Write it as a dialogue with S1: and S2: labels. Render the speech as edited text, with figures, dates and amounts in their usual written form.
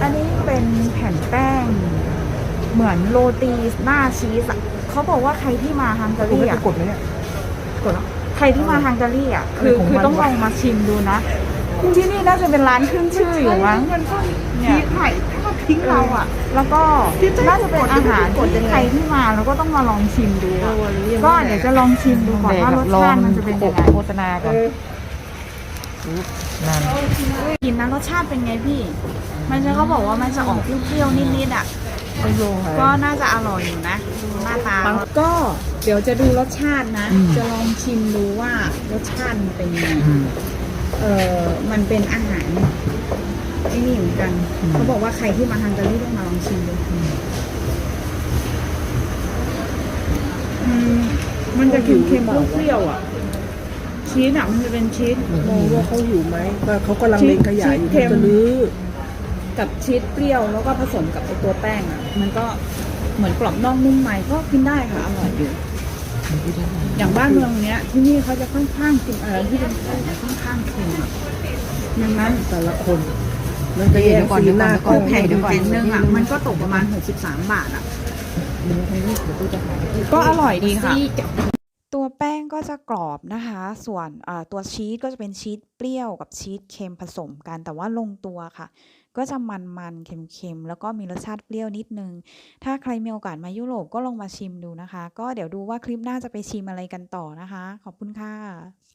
S1: อันนี้เป็นแผ่นแป้งเหมือนโรตีหน้าชีสอะเขาบอกว่าใครที่มาฮังการีอ่ะ
S2: กดไหมเนี่ย
S1: กดแล้วใครที่มาฮังการีอ่ะคือ
S2: ของมัน
S1: ต้องลองมาชิมดูนะที่นี่น่าจะเป็นร้านขึ้นชื่ออยู่มั้ง
S2: มันก็
S1: เนี่
S2: ทิ้
S1: ย
S2: งไข่ถ้าทิ้งเราอ่ะ
S1: แล้วก็น่าจะเป็นอาหารที่ใครที่มาแล้วก็ต้องมาลองชิมดูอะก็เดี๋ยวจะลองชิมดูก่อนว่ารสชาติมันจะเป็นยังไง
S2: โฆษณาก่อนนั่น
S1: กินนะรสชาติเป็นไงพี่ มันจะเขาบอกว่ามันจะออกเปรี้ยวๆนิดๆอ่ะ
S2: ไม่รู้
S1: ก็น่าจะอร่อยอยู่นะดูหน้าตาก็เดี๋ยวจะดูรสชาตินะ จะลองชิมดูว่ารสชาติมันเป็นยังไงมันเป็นอาหารไอ้นี่เหมือนกันเขาบอกว่าใครที่มาฮังการีต้องมาลองชิมดูมันจะเค็มๆเปรี้ยวๆอ่ะชีสอ่ะมันจะเป็นชีส
S2: มองว่าเขาหิวไหมก็เขากำลังเล็งขยายอยู่มันจะลื้อ
S1: กับชีสเปรี้ยวแล้วก็ผสมกับไอตัวแป้งอ่ะมันก็เหมือนกรอบนอกนุ่มในก็กินได้ค่ะอร่อยอยู่อย่างบ้านเมืองเนี้ยที่นี่เขาจะค่อนข้างกินอะไรที่เป็นของค่อนข้างเค็มอ่ะดังนั้น
S2: แต่ละคนมันจะแยกสีหน้า
S1: คือแผ่นอยู่แผ่นนึงอ่ะมันก็ตกประมาณ63 บาทอ่ะก็อร่อยดีค่ะตัวแป้งก็จะกรอบนะคะ ส่วนตัวชีสก็จะเป็นชีสเปรี้ยวกับชีสเค็มผสมกันแต่ว่าลงตัวค่ะก็จะมันๆเค็มๆแล้วก็มีรสชาติเปรี้ยวนิดนึงถ้าใครมีโอกาสมายุโรปก็ลองมาชิมดูนะคะก็เดี๋ยวดูว่าคลิปหน้าจะไปชิมอะไรกันต่อนะคะขอบคุณค่ะ